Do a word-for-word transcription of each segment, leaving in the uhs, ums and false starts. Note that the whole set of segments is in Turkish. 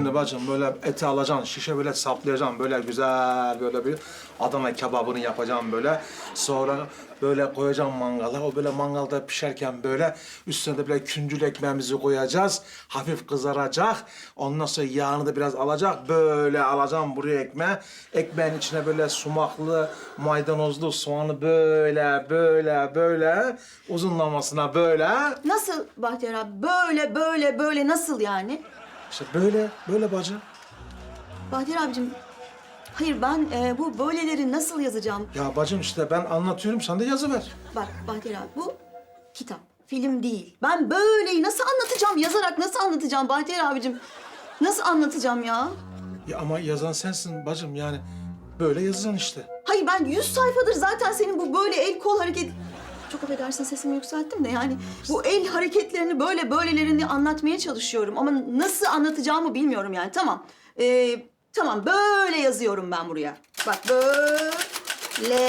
Şimdi bacım böyle eti alacaksın, şişe böyle saplayacaksın. Böyle güzel böyle bir Adana kebabını yapacaksın böyle. Sonra böyle koyacaksın mangala. O böyle mangalda pişerken böyle üstüne de böyle küncül ekmeğimizi koyacağız. Hafif kızaracak. Ondan sonra yağını da biraz alacak. Böyle alacaksın buraya ekmeği. Ekmeğin içine böyle sumaklı, maydanozlu soğanı böyle, böyle, böyle uzunlamasına böyle. Nasıl Bahtiyar abi? Böyle, böyle, böyle nasıl yani? İşte böyle, böyle bacı. Bahtiyar abicim, hayır ben e, bu böyleleri nasıl yazacağım? Ya bacım işte ben anlatıyorum, sen de yazıver. Bak Bahtiyar abi, bu kitap, film değil. Ben böyleyi nasıl anlatacağım? Yazarak nasıl anlatacağım Bahtiyar abicim? Nasıl anlatacağım ya? Ya ama yazan sensin bacım, yani böyle yazacaksın işte. Hayır ben yüz sayfadır zaten senin bu böyle el kol hareket... Çok affedersin sesimi yükselttim de yani bu el hareketlerini böyle böylelerini anlatmaya çalışıyorum. Ama nasıl anlatacağımı bilmiyorum yani. Tamam. Ee, tamam böyle yazıyorum ben buraya. Bak böyle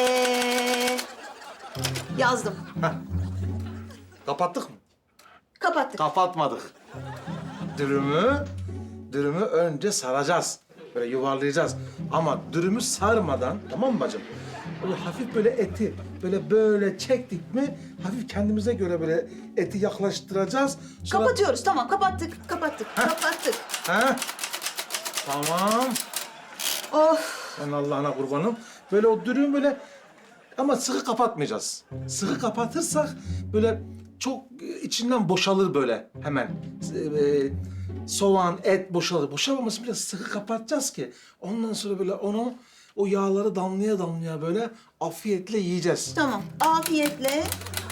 yazdım. Kapattık mı? Kapattık. Kapatmadık. Dürümü, dürümü önce saracağız. Böyle yuvarlayacağız. Ama dürümü sarmadan, tamam mı bacım? Böyle hafif böyle eti böyle böyle çektik mi hafif kendimize göre böyle eti yaklaştıracağız. Sonra... Kapatıyoruz tamam kapattık kapattık kapattık. Ha? Tamam. Of. Ben Allah'ına kurbanım. Böyle o dürüm böyle ama sıkı kapatmayacağız. Sıkı kapatırsak böyle çok içinden boşalır böyle hemen. Ee, soğan, et boşalır. Boşalmaması biraz sıkı kapatacağız ki ondan sonra böyle onu o yağları damlaya damlaya böyle afiyetle yiyeceğiz. Tamam afiyetle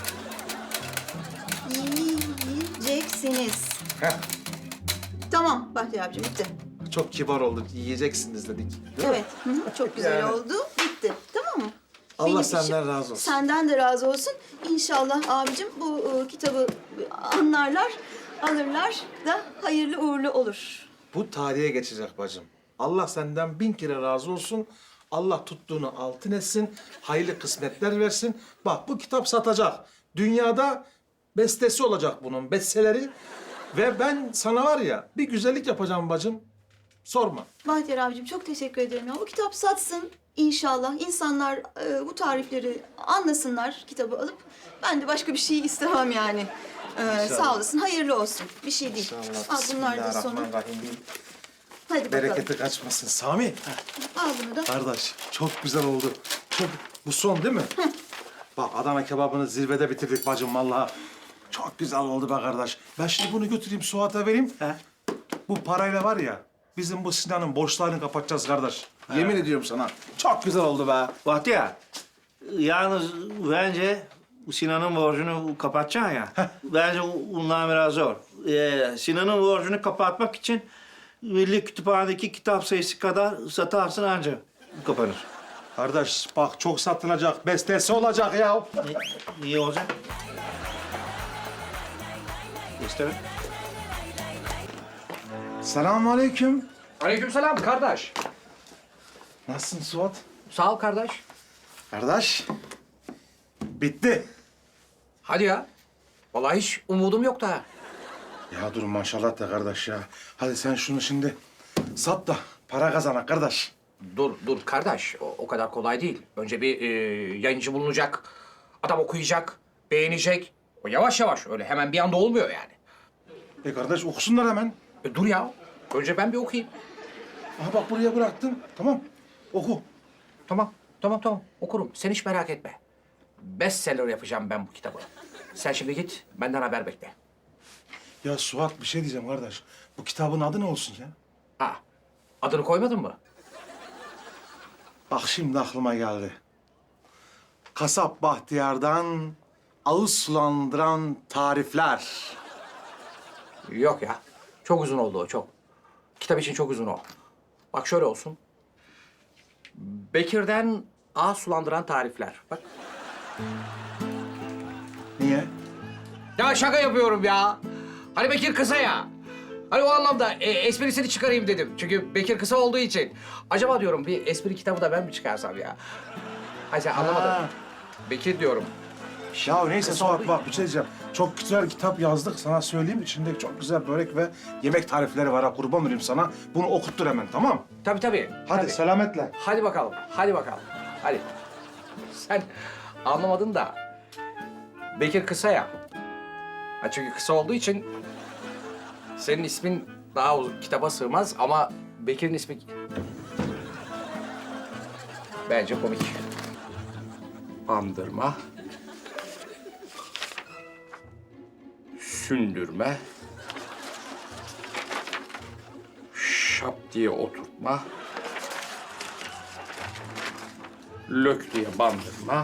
yiyeceksiniz. Heh, Tamam Bahtiyar abicim bitti. çok kibar oldu. Yiyeceksiniz dedik. Değil mi? Evet, hı hı, çok güzel Yani. oldu. Bitti, tamam mı? Allah Benim senden işim- razı olsun. Senden de razı olsun. İnşallah abicim bu e, kitabı anlarlar, alırlar da hayırlı uğurlu olur. Bu tarihe geçecek bacım. Allah senden bin kere razı olsun. Allah tuttuğunu altın etsin. Hayırlı kısmetler versin. Bak bu kitap satacak. Dünyada bestesi olacak bunun, besteleri. Ve ben sana var ya bir güzellik yapacağım bacım. Sorma. Bahtiyar abicim çok teşekkür ederim ya. Bu kitap satsın inşallah. İnsanlar e, bu tarifleri anlasınlar kitabı alıp. Ben de başka bir şey istemem yani. Ee, sağ olasın, hayırlı olsun. Bir şey değil. Al bunlar da sonu. Bismillahirrahmanirrahim. Hadi bakalım. Bereketi kaçmasın. Sami. Al bunu da. Kardeş çok güzel oldu. Çok... Bu son değil mi? Bak Adana kebabını zirvede bitirdik bacım vallahi. Çok güzel oldu be kardeş. Ben şimdi bunu götüreyim Suat'a vereyim. He? Bu parayla var ya bizim bu Sinan'ın borçlarını kapatacağız kardeş. Yemin ediyorum sana. Çok güzel oldu be. Bahtiyar, yalnız bence Sinan'ın borcunu kapatacaksın ya. Bence bundan biraz zor. Ee, Sinan'ın borcunu kapatmak için Milli Kütüphane'deki kitap sayısı kadar satarsın anca kapanır. Kardeş bak çok satılacak. Bestesi olacak ya. Ne, iyi olacak? İsterim. Selamünaleyküm. Aleykümselam kardeş. Nasılsın Suat? Sağ ol kardeş. Kardeş. Bitti. Hadi ya. Vallahi hiç umudum yoktu ha. Ya dur maşallah da kardeş ya. Hadi sen şunu şimdi sat da para kazanak kardeş. Dur, dur kardeş. O, o kadar kolay değil. Önce bir e, yayıncı bulunacak. Adam okuyacak, beğenecek. O yavaş yavaş öyle hemen bir anda olmuyor yani. E kardeş okusunlar hemen. E, dur ya. Önce ben bir okuyayım. Aha bak buraya bıraktım. Tamam. Oku. Tamam, tamam, tamam. Okurum. Sen hiç merak etme. Bestseller yapacağım ben bu kitabı. Sen şimdi git, benden haber bekle. Ya Suat bir şey diyeceğim kardeş. Bu kitabın adı ne olsun ya? Ha, adını koymadın mı? Bak şimdi aklıma geldi. Kasap Bahtiyar'dan ağız sulandıran tarifler. Yok ya. Çok uzun oldu o, çok. Kitap için çok uzun o. Bak şöyle olsun. Bekir'den ağız sulandıran tarifler. Bak. Niye? Ya şaka yapıyorum ya. Hani Bekir kısa ya. Hani o anlamda e, esprisini çıkarayım dedim. Çünkü Bekir kısa olduğu için. Acaba diyorum bir espri kitabı da ben mi çıkarsam ya? Hayır sen anlamadın. Ha. Bekir diyorum. Ya neyse Suat bak bir şey diyeceğim. Çok güzel kitap yazdık sana söyleyeyim. İçinde çok güzel börek ve yemek tarifleri var ha kurban olayım sana. Bunu okuttur hemen tamam? Tabii tabii. Hadi tabii. selametle. Hadi bakalım, hadi bakalım. Hadi. Sen anlamadın da Bekir kısa ya. Ha çünkü kısa olduğu için senin ismin daha uzun kitaba sığmaz ama Bekir'in ismi bence komik. Andırma. Sündürme. Şap diye oturtma. Lök diye bandırma.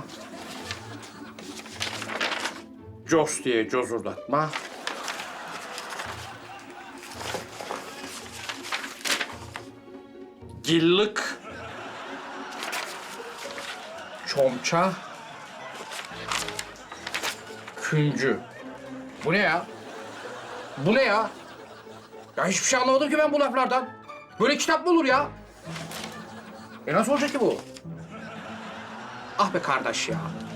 Cos diye cozurdatma. Gillık. Çomça. Küncü. Bu ne ya? Bu ne ya? Ya hiçbir şey anlamadım ki ben bu laflardan. Böyle kitap mı olur ya? E nasıl olacak ki bu? Ah be kardeş ya.